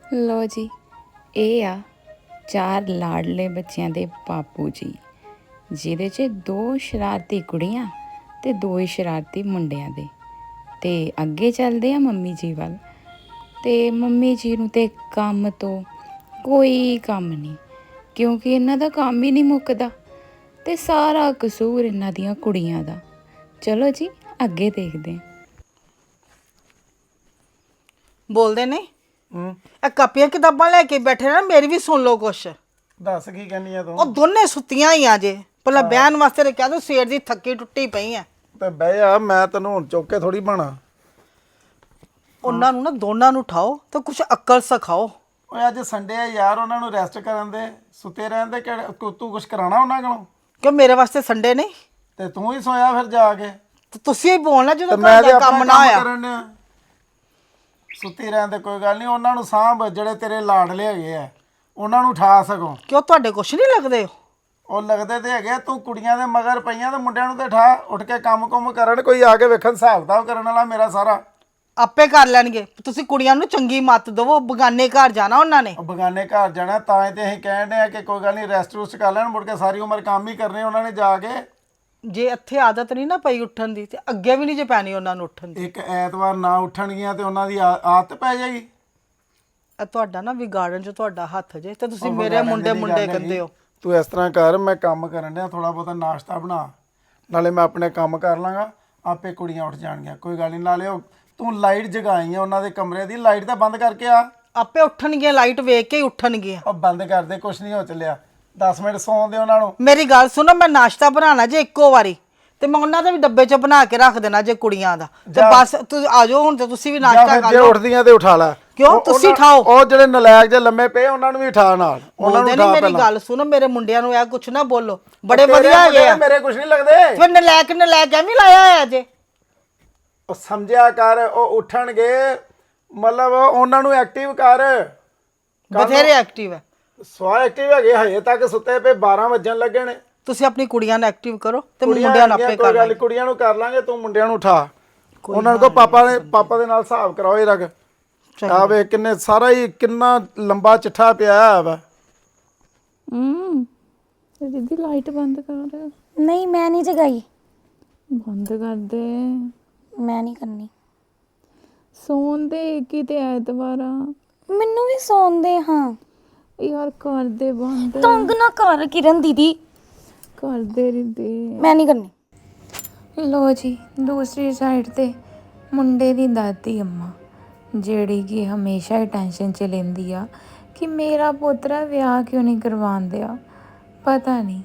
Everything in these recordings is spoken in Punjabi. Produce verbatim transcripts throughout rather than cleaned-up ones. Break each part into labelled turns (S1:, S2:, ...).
S1: ਲੋ ਜੀ, ਇਹ ਆ ਚਾਰ ਲਾਡਲੇ ਬੱਚਿਆਂ ਦੇ ਬਾਪੂ ਜੀ, ਜਿਹਦੇ 'ਚ ਦੋ ਸ਼ਰਾਰਤੀ ਕੁੜੀਆਂ ਤੇ ਦੋ ਹੀ ਸ਼ਰਾਰਤੀ ਮੁੰਡਿਆਂ ਦੇ। ਤੇ ਅੱਗੇ ਚੱਲਦੇ ਆ ਮੰਮੀ ਜੀ ਵੱਲ। ਤੇ ਮੰਮੀ ਜੀ ਨੂੰ ਤੇ ਕੰਮ ਤੋਂ ਕੋਈ ਕੰਮ ਨਹੀਂ, ਕਿਉਂਕਿ ਇਹਨਾਂ ਦਾ ਕੰਮ ਹੀ ਨਹੀਂ ਮੁੱਕਦਾ ਤੇ ਸਾਰਾ ਕਸੂਰ ਇਹਨਾਂ ਦੀਆਂ ਕੁੜੀਆਂ ਦਾ। ਚਲੋ ਜੀ ਅੱਗੇ ਦੇਖਦੇ ਹਾਂ।
S2: ਬੋਲਦੇ ਨਹੀਂ
S3: ਹੂੰ
S2: ਇਹ ਕਾਪੀਆਂ ਕਿਤਾਬਾਂ ਲੈ ਕੇ ਬੈਠੇ ਨਾ, ਮੇਰੀ ਵੀ ਸੁਣ ਲਓ ਕੁਛ।
S3: ਦੱਸ ਕੀ ਕਹਿੰਦੀ ਆ
S2: ਉਹ
S3: ਤੂੰ?
S2: ਦੋਨੇ ਸੁੱਤੀਆਂ ਹੀ ਆ ਜੇ, ਪਹਿਲਾਂ ਬਹਿਣ ਵਾਸਤੇ ਤੇ ਕਹਿ ਦੋ ਸਵੇਰ ਦੀ ਥੱਕੀ ਟੁੱਟੀ ਪਈ ਆ।
S3: ਤੇ ਬਹਿ ਜਾ, ਮੈਂ ਤੈਨੂੰ ਹੁਣ ਚੁੱਕ ਕੇ ਥੋੜੀ ਬਣਾ।
S2: ਉਹਨਾਂ ਨੂੰ ਨਾ ਦੋਨਾਂ ਨੂੰ ਉਠਾਓ ਤੇ ਕੁਛ ਅਕਲ ਸਿਖਾਓ।
S3: ਓਏ ਅੱਜ ਸੰਡੇ ਆ ਯਾਰ, ਉਹਨਾਂ ਨੂੰ ਰੈਸਟ ਕਰਨ ਦੇ, ਸੁੱਤੇ ਰਹਿਣ ਦੇ। ਕਿਹੜਾ ਤੂੰ ਤੂੰ ਕੁਛ ਕਰਾਉਣਾ ਉਹਨਾਂ ਕੋਲੋਂ?
S2: ਕਿਉਂ ਮੇਰੇ ਵਾਸਤੇ ਸੰਡੇ ਨਹੀਂ?
S3: ਤੇ ਤੂੰ ਹੀ ਸੋਇਆ ਫਿਰ ਜਾ ਕੇ।
S2: ਤੇ ਤੁਸੀਂ ਹੀ ਬੋਲਣਾ
S3: ਤੇ
S2: ਜਦੋਂ
S3: ਮੈਂ ਤੇ
S2: ਘਰ ਦਾ
S3: ਆਪਣਾ
S2: ਕੰਮ ਨਾ ਆਇਆ।
S3: ਕਰਨ ਡਿਆ। ਸੁੱਤੀ ਰਹਿਣ ਦੇ ਕੋਈ ਗੱਲ ਨਹੀਂ, ਉਹਨਾਂ ਨੂੰ ਸਾਂਭ, ਜਿਹੜੇ ਤੇਰੇ ਲਾਡਲੇ ਹੈਗੇ ਆ ਉਹਨਾਂ ਨੂੰ ਉਠਾ ਸਕੋ।
S2: ਕਿਉਂ ਤੁਹਾਡੇ ਕੁਛ ਨਹੀਂ ਲੱਗਦੇ?
S3: ਉਹ ਲੱਗਦੇ ਤੇ ਹੈਗੇ, ਤੂੰ ਕੁੜੀਆਂ ਦੇ ਮਗਰ ਪਈਆਂ ਤੇ ਮੁੰਡਿਆਂ ਨੂੰ ਤੇ ਉਠਾ, ਉੱਠ ਕੇ ਕੰਮ ਕੁੰਮ ਕਰਨ। ਕੋਈ ਆ ਕੇ ਵੇਖਣ ਹਿਸਾਬ ਕਿਤਾਬ ਕਰਨ ਵਾਲਾ ਮੇਰਾ ਸਾਰਾ।
S2: ਆਪੇ ਕਰ ਲੈਣਗੇ। ਤੁਸੀਂ ਕੁੜੀਆਂ ਨੂੰ ਚੰਗੀ ਮੱਤ ਦਵੋ, ਬਗਾਨੇ ਘਰ ਜਾਣਾ ਉਹਨਾਂ ਨੇ।
S3: ਉਹ ਬਗਾਨੇ ਘਰ ਜਾਣਾ ਤਾਂ ਹੀ ਤੇ ਅਸੀਂ ਕਹਿਣ ਡਏ ਆ ਕਿ ਕੋਈ ਗੱਲ ਨਹੀਂ, ਰੈਸਟ ਰੁਸਟ ਕਰ ਲੈਣ, ਮੁੜ ਕੇ ਸਾਰੀ ਉਮਰ ਕੰਮ ਹੀ ਕਰਨੇ ਉਹਨਾਂ ਨੇ ਜਾ ਕੇ।
S2: ਜੇ ਇੱਥੇ ਆਦਤ ਨਹੀਂ ਨਾ ਪਈ ਉੱਠਣ ਦੀ, ਤੇ ਅੱਗੇ ਵੀ ਨਹੀਂ ਜੇ ਪੈਣੀ ਉਹਨਾਂ ਨੂੰ ਉੱਠਣ ਦੀ।
S3: ਇੱਕ ਐਤਵਾਰ ਨਾ ਉੱਠਣਗੀਆਂ ਤੇ ਉਹਨਾਂ ਦੀ ਆ- ਆਦਤ ਪੈ ਜਾਏਗੀ।
S2: ਇਹ ਤੁਹਾਡਾ ਨਾ ਵਿਗਾੜਨ 'ਚ ਤੁਹਾਡਾ ਹੱਥ ਜੇ, ਤੇ ਤੁਸੀਂ
S3: ਉਹ
S2: ਮੇਰੇ
S3: ਵਿਗਾੜਨ
S2: ਮੁੰਡੇ
S3: ਦੀ
S2: ਮੁੰਡੇ
S3: ਗੱਲ
S2: ਕਹਿੰਦੇ
S3: ਹੈਗੀ।
S2: ਹੋ।
S3: ਤੂੰ ਇਸ ਤਰ੍ਹਾਂ ਕਰ, ਮੈਂ ਕੰਮ ਕਰਨ ਡਿਆ, ਥੋੜਾ ਬਹੁਤਾ ਨਾਸ਼ਤਾ ਬਣਾ, ਨਾਲੇ ਮੈਂ ਆਪਣੇ ਕੰਮ ਕਰ ਲਾਂਗਾ, ਆਪੇ ਕੁੜੀਆਂ ਉੱਠ ਜਾਣਗੀਆਂ। ਕੋਈ ਗੱਲ ਨਹੀਂ। ਨਾਲੇ ਉਹ ਤੂੰ ਲਾਈਟ ਜਗਾਈ ਆ ਉਹਨਾਂ ਦੇ ਕਮਰੇ ਦੀ, ਲਾਈਟ ਤਾਂ ਬੰਦ ਕਰਕੇ ਆ।
S2: ਆਪੇ ਉੱਠਣਗੀਆਂ, ਲਾਈਟ ਵੇਖ ਕੇ ਹੀ ਉੱਠਣਗੀਆਂ।
S3: ਉਹ ਬੰਦ ਕਰ ਦੇ, ਕੁਛ ਨਹੀਂ ਹੋ ਚੱਲਿਆ। ਦਸ ਮਿੰਟ ਸੌਣ ਦੇ ਉਹਨਾਂ ਨੂੰ।
S2: ਮੇਰੀ ਗੱਲ ਸੁਣੋ, ਮੈਂ ਨਾਸ਼ਤਾ ਬਣਾਉਣਾ ਜੇ ਇੱਕੋ ਵਾਰੀ, ਤੇ ਮੈਂ ਉਹਨਾਂ ਦਾ ਵੀ ਡੱਬੇ 'ਚ ਬਣਾ ਕੇ ਰੱਖ ਦੇਣਾ ਜੇ ਕੁੜੀਆਂ ਦਾ। ਤੇ ਬਸ ਤੁਸੀਂ ਆ ਜਾਓ ਹੁਣ, ਤੇ ਤੁਸੀਂ ਵੀ
S3: ਜਾਂ
S2: ਨਾਸ਼ਤਾ
S3: ਫਿਰ
S2: ਕਰ
S3: ਜੇ
S2: ਲਓ।
S3: ਉੱਠਦੀਆਂ ਤੇ ਉਠਾ ਲੈ।
S2: ਕਿਉਂ?
S3: ਉਹ-
S2: ਤੁਸੀਂ
S3: ਉਹਨਾਂ-
S2: ਉਠਾਓ।
S3: ਉਹ ਜਿਹੜੇ ਨਲਾਇਕ ਜੇ ਲੰਮੇ ਪਏ ਉਹਨਾਂ ਨੂੰ ਵੀ ਉਠਾ ਨਾਲ। ਉਹਨਾਂ ਨੂੰ
S2: ਬੋਲਦੇ
S3: ਉਠਾ
S2: ਨਹੀਂ, ਮੇਰੀ
S3: ਪਹਿਲਾਂ।
S2: ਗੱਲ ਸੁਣੋ, ਮੇਰੇ ਮੁੰਡਿਆਂ ਨੂੰ ਇਹ ਕੁਛ ਨਾ ਬੋਲੋ। ਬੜੇ
S3: ਤੇਰੇ
S2: ਵਧੀਆ ਹੈਗੇ
S3: ਮੁੰਡੇ
S2: ਆ।
S3: ਮੇਰੇ ਕੁਛ ਨਹੀਂ ਲੱਗਦੇ।
S2: ਫਿਰ ਨਲਾਇਕ ਨਲਾਇਕ ਐਵੇਂ ਲਾਇਆ ਹੋਇਆ ਜੇ।
S3: ਉਹ ਸਮਝਿਆ ਕਰ, ਉਹ ਉੱਠਣਗੇ, ਮਤਲਬ ਉਹਨਾਂ ਨੂੰ ਐਕਟਿਵ ਕਰ।
S2: ਬਥੇਰੇ ਐਕਟਿਵ ਹੈ।
S3: ਸਵਾ ਐਕਟਿਵ ਹੈਗੇ, ਹਜੇ ਤੱਕ ਸੁੱਤੇ ਪਏ, ਬਾਰਾਂ ਵੱਜਣ ਲੱਗੇ ਨੇ।
S2: ਤੁਸੀਂ ਆਪਣੀ ਕੁੜੀਆਂ ਨੂੰ ਐਕਟਿਵ ਕਰੋ, ਤੇ
S3: ਕੁੜੀਆਂ
S2: ਮੁੰਡਿਆਂ ਨੂੰ ਆਪੇ
S3: ਹੈਗੀਆਂ,
S2: ਕਰ
S3: ਕੋਈ ਗੱਲ ਨੀ,
S2: ਲਾਂਗੇ।
S3: ਕੁੜੀਆਂ ਨੂੰ ਕਰ ਲਾਂਗੇ, ਤੂੰ ਮੁੰਡਿਆਂ ਨੂੰ ਉਠਾ। ਉਹਨਾਂ ਨੂੰ ਕੋ ਪਾਪਾ ਨੇ ਪਾਪਾ ਦੇ ਨਾਲ ਹਿਸਾਬ ਕਰਾਓ ਇਹ ਰਗ। ਆ ਵੇ ਕਿੰਨੇ ਸਾਰਾ ਹੀ ਕਿੰਨਾ ਲੰਬਾ ਚਿੱਠਾ ਪਿਆ ਵਾ।
S1: ਹੂੰ ਦੀਦੀ ਲਾਈਟ ਬੰਦ ਕਰ।
S4: ਨਹੀਂ ਮੈਂ ਨਹੀਂ ਜਗਾਈ,
S1: ਬੰਦ ਕਰ ਦੇ।
S4: ਮੈਂ ਨਹੀਂ ਕਰਨੀ।
S1: ਸੌਣ ਦੇ, ਕਿਤੇ ਐਤਵਾਰ ਆ।
S4: ਮੈਨੂੰ ਵੀ ਸੌਣ ਦੇ ਹਾਂ।
S1: ਯਾਰ ਕਰ ਦੇ ਬੰਦ,
S4: ਤੰਗ ਨਾ ਕਰ ਕਿਰਨ ਦੀਦੀ,
S1: ਕਰ ਦੇ ਰਿਦੇ।
S4: ਮੈਂ ਨਹੀਂ ਕਰਨੀ।
S1: ਲੋ ਜੀ, ਦੂਸਰੀ ਸਾਈਡ ਤੇ ਮੁੰਡੇ ਦੀ ਦਾਦੀ ਅੰਮਾ, ਜਿਹੜੀ ਕਿ ਹਮੇਸ਼ਾ ਹੀ ਟੈਨਸ਼ਨ 'ਚ ਲੈਂਦੀ ਆ ਕਿ ਮੇਰਾ ਪੋਤਰਾ ਵਿਆਹ ਕਿਉਂ ਨਹੀਂ ਕਰਵਾਉਂਦੇ ਆ। ਪਤਾ ਨਹੀਂ।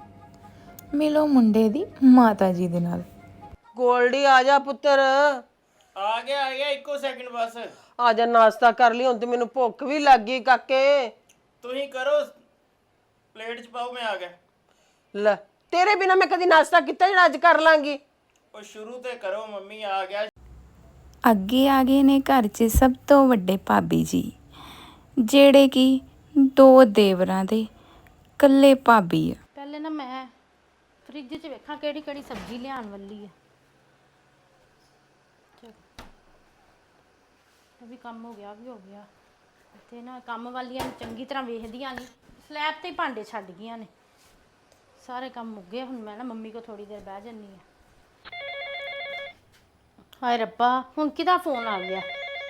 S1: ਮਿਲੋ ਮੁੰਡੇ ਦੀ ਮਾਤਾ ਜੀ ਦੇ ਨਾਲ।
S2: ਗੋਲਡੀ ਆ ਜਾ ਪੁੱਤਰ।
S5: ਆ ਗਿਆ ਆ ਗਿਆ, ਇੱਕੋ ਸੈਕਿੰਡ ਬਸ।
S2: ਆ ਜਾ, ਨਾਸ਼ਤਾ ਕਰ ਲਈ, ਹੁਣ ਤੇ ਮੈਨੂੰ ਭੁੱਖ ਵੀ ਲੱਗ ਗਈ ਕਾਕੇ।
S5: ਤੁਸੀਂ ਕਰੋ, ਪਲੇਟ 'ਚ ਪਾਓ, ਮੈਂ ਆ ਗਿਆ।
S2: ਲੈ, ਤੇਰੇ ਬਿਨਾ ਮੈਂ ਕਦੀ ਨਾਸ਼ਤਾ ਕੀਤਾ ਜਿਹੜਾ ਅੱਜ ਕਰ ਲਾਂਗੀ?
S5: ਉਹ ਸ਼ੁਰੂ ਤੇ ਕਰੋ, ਮੰਮੀ ਆ ਗਿਆ।
S1: ਅੱਗੇ ਆ ਗਏ ਨੇ ਘਰ 'ਚ ਸਭ ਤੋਂ ਵੱਡੇ ਭਾਬੀ ਜੀ, ਜਿਹੜੇ ਕਿ ਦੋ ਦੇਵਰਾਂ ਦੇ ਇਕੱਲੇ ਭਾਬੀ ਆ।
S6: ਪਹਿਲੇ ਨਾ ਮੈਂ ਫ੍ਰਿਜ 'ਚ ਵੇਖਾਂ ਕਿਹੜੀ ਕਿਹੜੀ ਸਬਜ਼ੀ ਲਿਆਉਣ ਵਾਲੀ ਹੈ। ਚਲੋ, ਇਹ ਵੀ ਕੰਮ ਹੋ ਗਿਆ, ਵੀ ਹੋ ਗਿਆ। ਤੇ ਨਾ ਕੰਮ ਵਾਲੀਆਂ ਨੂੰ ਚੰਗੀ ਤਰ੍ਹਾਂ ਵੇਖਦੀਆਂ ਨਹੀਂ, ਸਲੈਬ ਤੇ ਹੀ ਭਾਂਡੇ ਛੱਡ ਗਈਆਂ ਨੇ। ਸਾਰੇ ਕੰਮ ਮੁੱਕ ਗਏ। ਹੁਣ ਮੈਂ ਨਾ ਮੰਮੀ ਕੋ ਥੋੜੀ ਦੇਰ ਬਹਿ ਜੰਨੀ ਆ। ਹਾਏ ਰੱਬਾ, ਹੁਣ ਕਿਹਦਾ ਫੋਨ ਆ ਗਿਆ?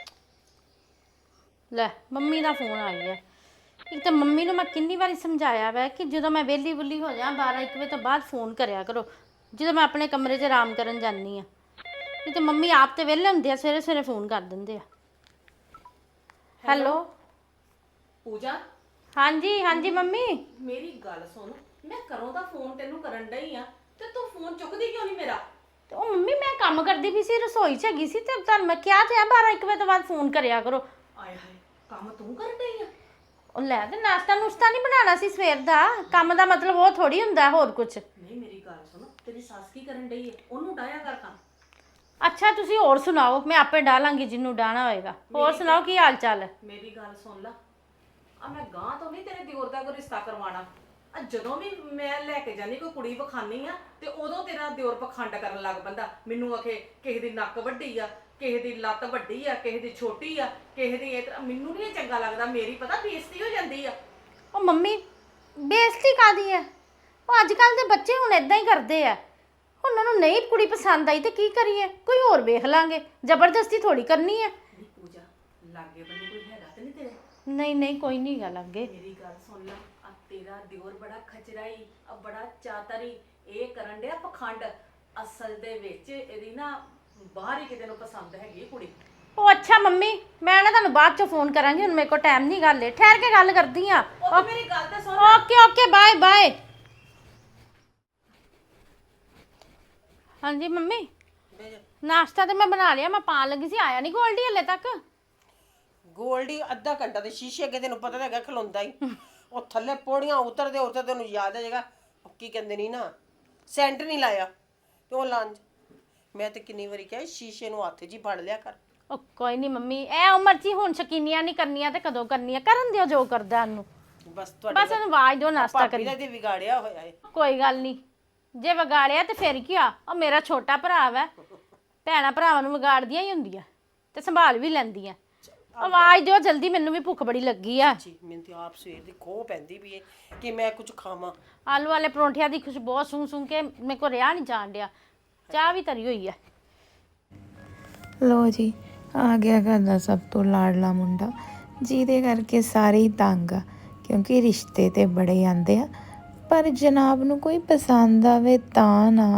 S6: ਲੈ, ਮੰਮੀ ਦਾ ਫੋਨ ਆ ਗਿਆ। ਇੱਕ ਤਾਂ ਮੰਮੀ ਨੂੰ ਮੈਂ ਕਿੰਨੀ ਵਾਰੀ ਸਮਝਾਇਆ ਵੈ ਕਿ ਜਦੋਂ ਮੈਂ ਵਿਹਲੀ ਵੁੱਲੀ ਹੋ ਜਾ ਬਾਰਾਂ ਇੱਕ ਵਜੇ ਤੋਂ ਬਾਅਦ ਫੋਨ ਕਰਿਆ ਕਰੋ, ਜਦੋਂ ਮੈਂ ਆਪਣੇ ਕਮਰੇ 'ਚ ਆਰਾਮ ਕਰਨ ਜਾਂਦੀ ਆ। ਨਹੀਂ ਤਾਂ ਮੰਮੀ ਆਪ ਤੇ ਵਿਹਲੇ ਹੁੰਦੇ ਆ, ਸਵੇਰੇ ਸਵੇਰੇ ਫੋਨ ਕਰ ਦਿੰਦੇ ਆ। ਹੈਲੋ
S7: ਪੂਜਾ,
S6: ਹਾਂਜੀ ਹਾਂਜੀ ਮੰਮੀ।
S7: ਮੇਰੀ ਗੱਲ ਸੁਣ, ਮੈਂ ਘਰੋਂ ਦਾ ਫੋਨ ਤੈਨੂੰ ਕਰਨ ਡਈ ਆ ਤੇ ਤੂੰ ਫੋਨ ਚੁੱਕਦੀ ਕਿਉਂ ਨਹੀਂ ਮੇਰਾ?
S6: ਤੇ ਉਹ ਮੰਮੀ ਮੈਂ ਕੰਮ ਕਰਦੀ ਵੀ ਸੀ, ਰਸੋਈ 'ਚ ਹੈਗੀ ਸੀ, ਤੇ ਤੁਹਾਨੂੰ ਮੈਂ ਕਿਹਾ ਤੇ ਆ ਬਾਰਾਂ ਇੱਕ ਵਜੇ ਤੋਂ ਬਾਅਦ ਫੋਨ ਕਰਿਆ ਕਰੋ।
S7: ਆਏ ਹਾਏ, ਕੰਮ ਤੂੰ ਕਰਨ ਡਈ ਆ?
S6: ਉਹ ਲੈ, ਤੇ ਨਾਸ਼ਤਾ ਨੁਸ਼ਤਾ ਨਹੀਂ ਬਣਾਉਣਾ ਸੀ ਸਵੇਰ ਦਾ? ਕੰਮ ਦਾ ਮਤਲਬ ਉਹ ਥੋੜੀ ਹੁੰਦਾ ਹੋਰ ਕੁਝ।
S7: ਨਹੀਂ, ਮੇਰੀ ਗੱਲ ਸੁਣ, ਤੇਰੀ ਸੱਸ ਕੀ ਕਰਨ ਡਈ ਹੈ? ਉਹਨੂੰ ਡਾਇਆ ਕਰ ਕੰਮ।
S6: ਅੱਛਾ, ਤੁਸੀਂ ਹੋਰ ਸੁਣਾਓ, ਮੈਂ ਆਪੇ ਡਾਲਾਂਗੀ ਜਿਹਨੂੰ ਡਾਣਾ ਹੋਏਗਾ। ਹੋਰ ਸੁਣਾਓ, ਕੀ ਹਾਲ ਚਾਲ ਹੈ?
S7: ਮੇਰੀ ਗੱਲ ਸੁਣ ਲਾ, ਆ ਮੈਂ ਗਾਂ ਤੋਂ ਨਹੀਂ ਤੇਰੇ ਦਿਓਰ ਦਾ ਕੋਈ ਰਿਸ਼ਤਾ ਕਰਵਾਉਣਾ। ਆ ਜਦੋਂ ਵੀ ਮੈਂ ਲੈ ਕੇ ਜਾਨੀ ਕੋਈ ਕੁੜੀ ਵਿਖਾਨੀ ਆ ਤੇ ਉਦੋਂ ਤੇਰਾ ਦਿਓਰ ਪਖੰਡ ਕਰਨ ਲੱਗ ਪੈਂਦਾ ਮੈਨੂੰ ਆਖੇ ਕਿਸੇ ਦੀ ਨੱਕ ਵੱਡੀ ਆ ਕਿਸੇ ਦੀ ਲੱਤ ਵੱਡੀ ਆ ਕਿਸੇ ਦੀ ਛੋਟੀ ਆ ਕਿਸੇ ਦੀ ਇਹ ਤਰ੍ਹਾਂ ਮੈਨੂੰ ਨਹੀਂ ਚੰਗਾ ਲੱਗਦਾ ਮੇਰੀ ਪਤਾ ਬੇਇੱਜ਼ਤੀ ਹੋ ਜਾਂਦੀ ਆ
S6: ਉਹ ਮੰਮੀ ਬੇਇੱਜ਼ਤੀ ਕਾਦੀ ਹੈ ਉਹ ਅੱਜ ਕੱਲ ਦੇ ਬੱਚੇ ਹੁਣ ਇਦਾਂ ਹੀ ਕਰਦੇ ਆ ਉਹਨਾਂ ਨੂੰ ਨਹੀਂ ਕੁੜੀ ਪਸੰਦ ਆਈ ਤੇ ਕੀ ਕਰੀਏ ਕੋਈ ਹੋਰ ਵੇਖ ਲਾਂਗੇ ਜ਼ਬਰਦਸਤੀ ਥੋੜੀ ਕਰਨੀ ਹੈ
S7: ਨੀ ਪੂਜਾ ਲਾਗੇ ਬੰਨੇ ਕੋਈ ਹੈਗਾ ਤੇ ਨਹੀਂ ਤੇਰੇ
S6: ਨਹੀਂ ਨਹੀਂ ਕੋਈ ਨਹੀਂ ਗੱਲ ਅੱਗੇ
S7: ਮੇਰੀ ਗੱਲ ਸੁਣ ਲੈ ਆ ਤੇਰਾ ਦਿਓਰ ਬੜਾ ਖਚਰਾਈ ਆ ਬੜਾ ਚਾਤਰੀ ਇਹ ਕਰਨ ਡਿਆ ਪਖੰਡ ਅਸਲ ਦੇ ਵਿੱਚ ਇਹਦੀ ਨਾ ਬਾਹਰ ਹੀ ਕਿਤੇ ਨੂੰ ਪਸੰਦ ਹੈਗੀ ਕੁੜੀ
S6: ਉਹ ਅੱਛਾ ਮੰਮੀ ਮੈਂ ਨਾ ਤੁਹਾਨੂੰ ਬਾਅਦ ਚ ਫੋਨ ਕਰਾਂਗੀ ਹੁਣ ਮੇਰੇ ਕੋਲ ਟਾਈਮ ਨਹੀਂ ਗੱਲ ਹੈ ਠਹਿਰ ਕੇ ਗੱਲ ਕਰਦੀ ਆ
S7: ਉਹ ਮੇਰੀ ਗੱਲ ਤੇ ਸੁਣ
S6: ਓਕੇ ਓਕੇ ਬਾਏ ਬਾਏ ਹਾਂਜੀ ਮੰਮੀ ਨਾਸ਼ਤਾ ਤੇ ਮੈਂ ਬਣਾ ਲਿਆ ਮੈਂ ਪਾਣ ਲੱਗੀ ਸੀ ਆਇਆ ਨਹੀਂ ਗੋਲਡੀ ਹਲੇ ਤੱਕ
S8: ਗੋਲਡੀ ਅੱਧਾ ਘੰਟਾ ਤੇ ਸ਼ੀਸ਼ੇ ਅੱਗੇ ਤੈਨੂੰ ਪਤਾ ਤਾਂ ਹੈਗਾ ਖਲੋਂਦਾ ਹੀ ਉਹ ਥੱਲੇ ਪੌੜੀਆਂ ਉਤਰਦੇ ਉਤਰਦੇ ਉਹਨੂੰ ਯਾਦ ਆ ਜਾਏਗਾ ਕੀ ਕਹਿੰਦੇ ਨਹੀਂ ਨਾ ਸੈਂਟ ਨਹੀਂ ਲਾਇਆ ਤੇ ਉਹ ਲੰਜ ਮੈਂ ਤੇ ਕਿੰਨੀ ਵਾਰੀ ਕਿਹਾ ਸ਼ੀਸ਼ੇ ਨੂੰ ਹੱਥ 'ਚ ਹੀ ਫੜ ਲਿਆ ਕਰ
S6: ਉਹ ਕੋਈ ਨਹੀਂ ਮੰਮੀ ਇਹ ਉਮਰ 'ਚ ਹੀ ਹੁਣ ਸ਼ਕੀਨੀਆਂ ਨਹੀਂ ਕਰਨੀਆਂ ਤੇ ਕਦੋਂ ਕਰਨੀਆਂ ਕਰਨ ਦਿਓ ਜੋ ਕਰਦਾ ਉਹਨੂੰ
S8: ਬਸ ਤੁਹਾਡੇ
S6: ਬਸ ਉਹਨੂੰ ਆਵਾਜ਼ ਦਿਓ ਨਾਸ਼ਤਾ
S8: ਭਾਬੀ
S6: ਕਰੀ
S8: ਦਾ ਤੇ ਵਿਗਾੜਿਆ ਹੋਇਆ ਹੈ
S6: ਕੋਈ ਗੱਲ ਨਹੀਂ ਜੇ ਵਿਗਾੜਿਆ ਤੇ ਫਿਰ ਕੀ ਆ ਉਹ ਮੇਰਾ ਛੋਟਾ ਭਰਾ ਵਾ ਭੈਣਾਂ ਭਰਾਵਾਂ ਨੂੰ ਵਿਗਾੜਦੀਆਂ ਹੀ ਹੁੰਦੀਆਂ ਤੇ ਸੰਭਾਲ ਵੀ ਲੈਂਦੀਆਂ ਆਵਾਜ਼ ਦਿਓ ਜਲਦੀ ਮੈਨੂੰ ਵੀ ਭੁੱਖ ਬੜੀ ਲੱਗੀ ਆ
S8: ਜੀ ਮੈਨੂੰ ਤੇ ਆਪ ਸਵੇਰ ਦੀ ਖੋਹ ਪੈਂਦੀ ਵੀ ਹੈ ਕਿ ਮੈਂ ਕੁਝ ਖਾਵਾਂ
S6: ਆਲੂ ਵਾਲੇ ਪਰੌਂਠਿਆਂ ਦੀ ਖੁਸ਼ਬੂ ਸੂੰ ਸੂੰ ਕੇ ਮੇਰੇ ਕੋ ਰਿਆ ਨਹੀਂ ਜਾਣ ਡਿਆ ਚਾਹ ਵੀ ਤਰੀ ਹੋਈ ਆ
S1: ਲੋ ਜੀ ਆ ਗਿਆ ਘਰ ਦਾ ਸਭ ਤੋਂ ਲਾਡਲਾ ਮੁੰਡਾ ਜਿਹਦੇ ਕਰਕੇ ਸਾਰੇ ਹੀ ਤੰਗ ਆ ਕਿਉਂਕਿ ਰਿਸ਼ਤੇ ਤੇ ਬੜੇ ਆਂਦੇ ਆ ਪਰ ਜਨਾਬ ਨੂੰ ਕੋਈ ਪਸੰਦ ਆਵੇ ਤਾਂ ਨਾ